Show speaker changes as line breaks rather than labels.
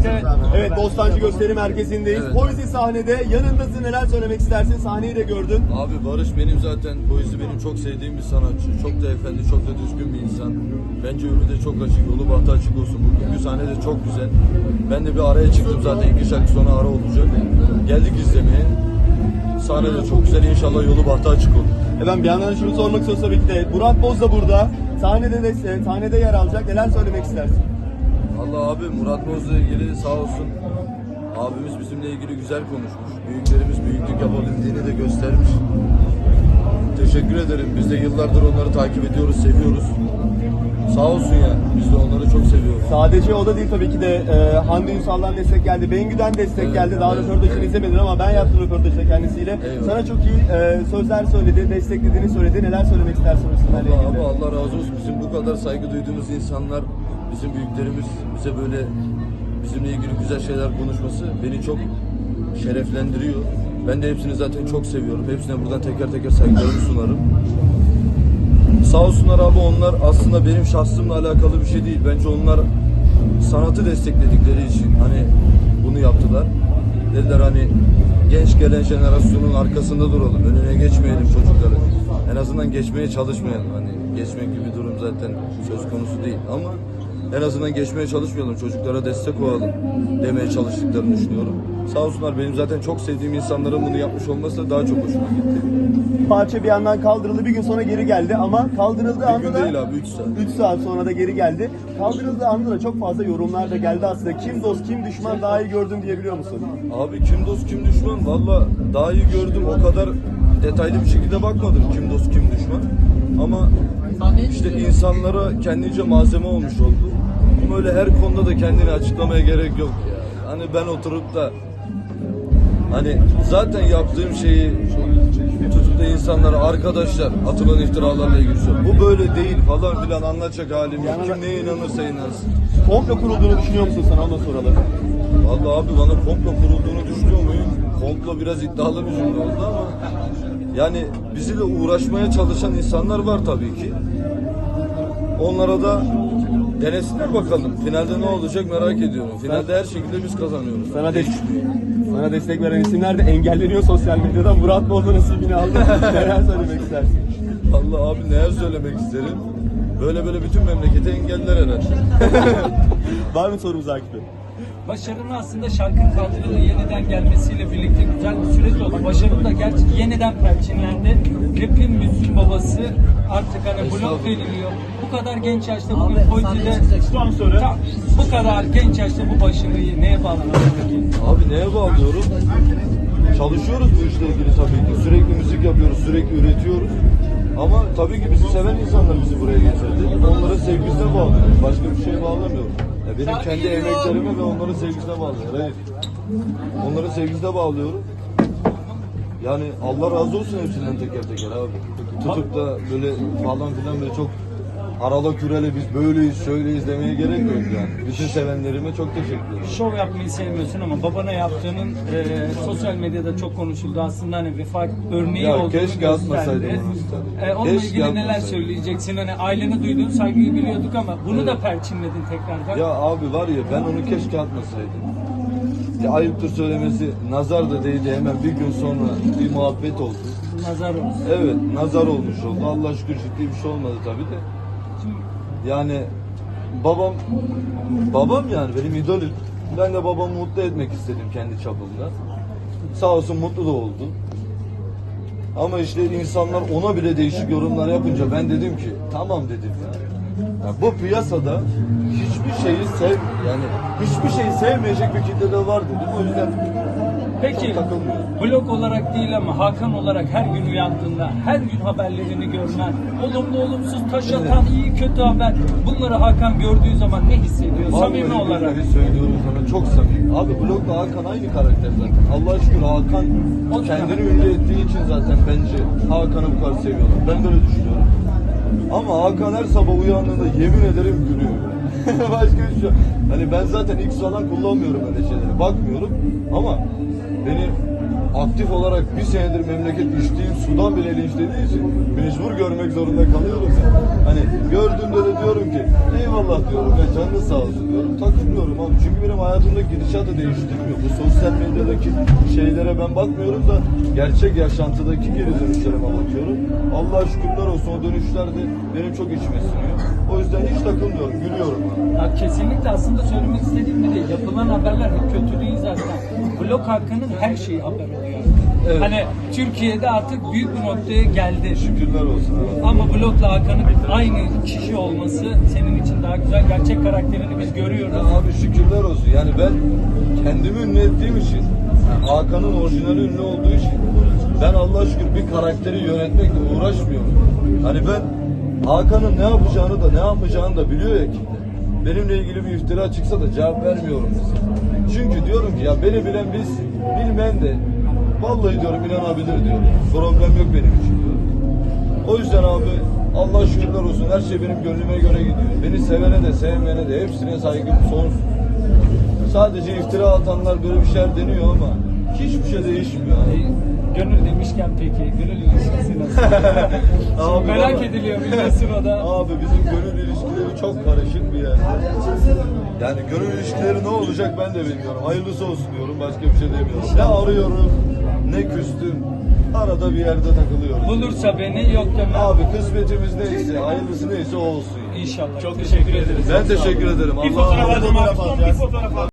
birlikte evet Bostancı Gösteri Merkezi'ndeyiz.
Evet.
Poezi sahnede yanındasın, neler söylemek istersin? Sahneyi de gördün.
Abi Barış benim zaten Poezi benim çok sevdiğim bir sanatçı. Çok da efendi, çok da düzgün bir insan. Bence önü de çok açık, yolu bahtı açık olsun. Bugünkü sahne de çok güzel. Ben de bir araya çıktım zaten 2 şarkı sonra ara olacak. Geldik izlemeye. Sahne de çok güzel, inşallah yolu bahtı açık olur.
Ben bir yandan şunu sormak istiyorum tabii ki de. Murat Boz da burada. Sahnede yer alacak. Neler söylemek istersin?
Allah abi Murat Boz'la ilgili sağ olsun abimiz bizimle ilgili güzel konuşmuş. Büyüklerimiz büyüklük yapabildiğini de göstermiş. Teşekkür ederim. Biz de yıllardır onları takip ediyoruz, seviyoruz. Sağ olsun ya. Biz de onları çok seviyoruz.
Sadece o da değil tabii ki de Hande Ünsal'dan destek geldi. Bengü'den destek
Evet,
geldi. Daha
evet,
röportajını
evet.
izlemedin ama ben yaptım röportajı kendisiyle.
Eyvallah.
Sana çok iyi sözler söyledi, desteklediğini söyledi. Neler söylemek istersin o isimlerle
Allah
ilgili?
abi Allah razı olsun. Bizim bu kadar saygı duyduğumuz insanlar, bizim büyüklerimiz bize böyle bizimle ilgili güzel şeyler konuşması beni çok şereflendiriyor. Ben de hepsini zaten çok seviyorum. Hepsine buradan teker teker saygılarımı sunarım. Sağ olsunlar abi, onlar aslında benim şahsımla alakalı bir şey değil. Bence onlar sanatı destekledikleri için hani bunu yaptılar. Dediler hani genç gelen jenerasyonun arkasında duralım. Önüne geçmeyelim çocukları. En azından geçmeye çalışmayalım. Hani geçmek gibi bir durum zaten söz konusu değil ama en azından geçmeye çalışmayalım. Çocuklara destek olalım demeye çalıştıklarını düşünüyorum. Sağ olsunlar, benim zaten çok sevdiğim insanların bunu yapmış olması da daha çok hoşuma gitti.
Parça bir yandan kaldırıldı, bir gün sonra geri geldi ama kaldırıldığı
Bir
anda
gün
da
değil abi, 3 saat.
3 saat sonra da geri geldi. Kaldırıldığı anda da çok fazla yorumlar da geldi aslında. Kim dost kim düşman daha iyi gördüm diyebiliyor musun?
Abi kim dost kim düşman, valla daha iyi gördüm, o kadar detaylı bir şekilde bakmadım kim dost kim düşman. Ama işte insanlara kendince malzeme olmuş oldu. Ama öyle her konuda da kendini açıklamaya gerek yok ya. Hani ben oturup da hani zaten yaptığım şeyi tutup da insanlara arkadaşlar atılan iftiralarla ilgili bu böyle değil falan filan anlatacak halim yok. Kim neye inanırsa inansın.
Komplo kurulduğunu düşünüyor musun, sana onu soralım.
Vallahi abi bana komplo kurulduğunu düşünüyor muyum? Komplo biraz iddialı bir cümle oldu ama yani bizimle uğraşmaya çalışan insanlar var tabii ki. Onlara da denesinler bakalım. Finalde ne olacak merak ediyorum. Finalde her şekilde biz kazanıyoruz.
Sana destek veren isimler de engelleniyor sosyal medyadan. Murat Boz'un nasibini aldı. Neler söylemek istersin?
Allah abi neler söylemek isterim. Böyle bütün memleketi engeller herhalde.
Var mı sorumuz Akif Bey?
Başarının aslında şarkının kaldırılığı yeniden gelmesiyle birlikte güzel bir süreç oldu. Başarı da gerçi yeniden perçinlendi. Rap'in Müslüm babası artık hani blok deniliyor. Bu kadar genç yaşta bugün Poiti'de bu kadar genç yaşta bu başarıyı neye bağlanıyor peki?
Abi neye bağlıyorum? Çalışıyoruz bu işle ilgili tabii ki. Sürekli müzik yapıyoruz, sürekli üretiyoruz. Ama tabii ki bizi seven insanlar bizi buraya getirdi. Onların sevgisine bağlıyorum. Başka bir şeye bağlamıyorum. Ya benim kendi emeklerime ve onların sevgisine bağlıyorum. Hayır. Onların sevgisine bağlıyorum. Yani Allah razı olsun hepsinden teker teker abi. Tutup da böyle falan filan böyle çok arala kürele biz böyleyiz şöyleyiz demeye gerek yok yani. Bütün sevenlerime çok teşekkür ederim.
Şov yapmayı sevmiyorsun ama babana yaptığının sosyal medyada çok konuşuldu. Aslında hani vefat örneği
Ya
olduğunu
keşke atmasaydım
gösterdi.
onu tabii.
Onunla
Keşke
ilgili neler
atmasaydım.
söyleyeceksin? Hani ailene duyduğun saygıyı biliyorduk ama bunu da perçinledin tekrardan.
Ya abi var ya, ben onu keşke atmasaydım. Ya ayıptır söylemesi, nazar da değdi, hemen bir gün sonra bir muhabbet oldu.
Nazar olsun.
Evet, nazar olmuş oldu. Allah şükür ciddi bir şey olmadı tabii de. Yani babam yani benim idolüm. Ben de babamı mutlu etmek istedim kendi çapımda. Sağ olsun mutlu da oldu. Ama işte insanlar ona bile değişik yorumlar yapınca ben dedim ki tamam dedim ya. Ya bu piyasada hiçbir şeyi sevmeyecek bir kitle de var dedim. O yüzden
Peki
takılmıyorum.
blog olarak değil ama Hakan olarak her gün uyandığında, her gün haberlerini görmen, olumlu olumsuz taş atan iyi kötü haber, bunları Hakan gördüğü zaman ne hissediyor samimi
Vallahi
olarak?
billahi söylüyorum sana, çok samimi. Abi blogla Hakan aynı karakter zaten. Allah'a şükür Hakan kendini ünlü ettiği için zaten bence Hakan'ı bu kadar seviyorlar. Ben böyle düşünüyorum. Ama Hakan her sabah uyandığında yemin ederim gülüyor. Başka bir şey. Hani ben zaten X falan kullanmıyorum öyle şeylere. Bakmıyorum ama beni aktif olarak bir senedir memleket içtiğim sudan bile linçlediği için mecbur görmek zorunda kalıyorum ya. Hani gördüğümde de diyorum ki eyvallah diyorum ya, canınız sağ olsun diyorum. Takılmıyorum abi, çünkü benim hayatımdaki gidişatı değiştirmiyor. Bu sosyal medyadaki şeylere ben bakmıyorum da gerçek yaşantıdaki geri dönüşlerime bakıyorum. Allah'a şükürler olsun, o dönüşler de benim çok içime siniyor. O yüzden hiç takılmıyorum, gülüyorum abi.
Ya kesinlikle aslında söylemek istediğim bir de yapılan haberler hep kötü değil zaten. Blok hakkının her şeyi haber oluyor.
Evet.
Hani Türkiye'de artık büyük bir noktaya geldi.
Şükürler olsun abi.
Ama Blok'la Hakan'ın aynı kişi olması senin için daha güzel. Gerçek karakterini biz görüyoruz.
Ya abi şükürler olsun. Yani ben kendimi ünlü ettiğim için, yani Hakan'ın orijinali ünlü olduğu için ben Allah'a şükür bir karakteri yönetmekle uğraşmıyorum. Hani ben Hakan'ın ne yapacağını da ne yapmayacağını da biliyor ya ki. Benimle ilgili bir iftira çıksa da cevap vermiyorum mesela. Çünkü diyorum ki ya beni bilen bilsin, bilmeyen de vallahi diyorum inanabilir diyorum. Problem yok benim için diyorum. O yüzden abi Allah şükürler olsun, her şey benim gönlüme göre gidiyor. Beni sevene de sevmeyene de hepsine saygım sonsuz. Sadece iftira atanlar böyle bir şeyler deniyor ama hiçbir şey değişmiyor.
Gönül demişken peki, gönül ilişkisi nasıl?
Abi
Merak
baba.
ediliyor biliyorsun o da.
Abi bizim gönül ilişkileri çok karışık bir yerde. Yani gönül ilişkileri ne olacak ben de bilmiyorum. Hayırlısı olsun diyorum, başka bir şey demiyorum. Ne arıyorum, ne küstüm. Arada bir yerde takılıyorum.
Bulursa beni, yok deme.
Abi kısmetimiz neyse, hayırlısı neyse o olsun.
İnşallah. Çok teşekkür ederiz.
Ben teşekkür ederim.
Bir
Allah'a
fotoğraf
emanet
alacağım
olun.
abi. Son bir fotoğraf al.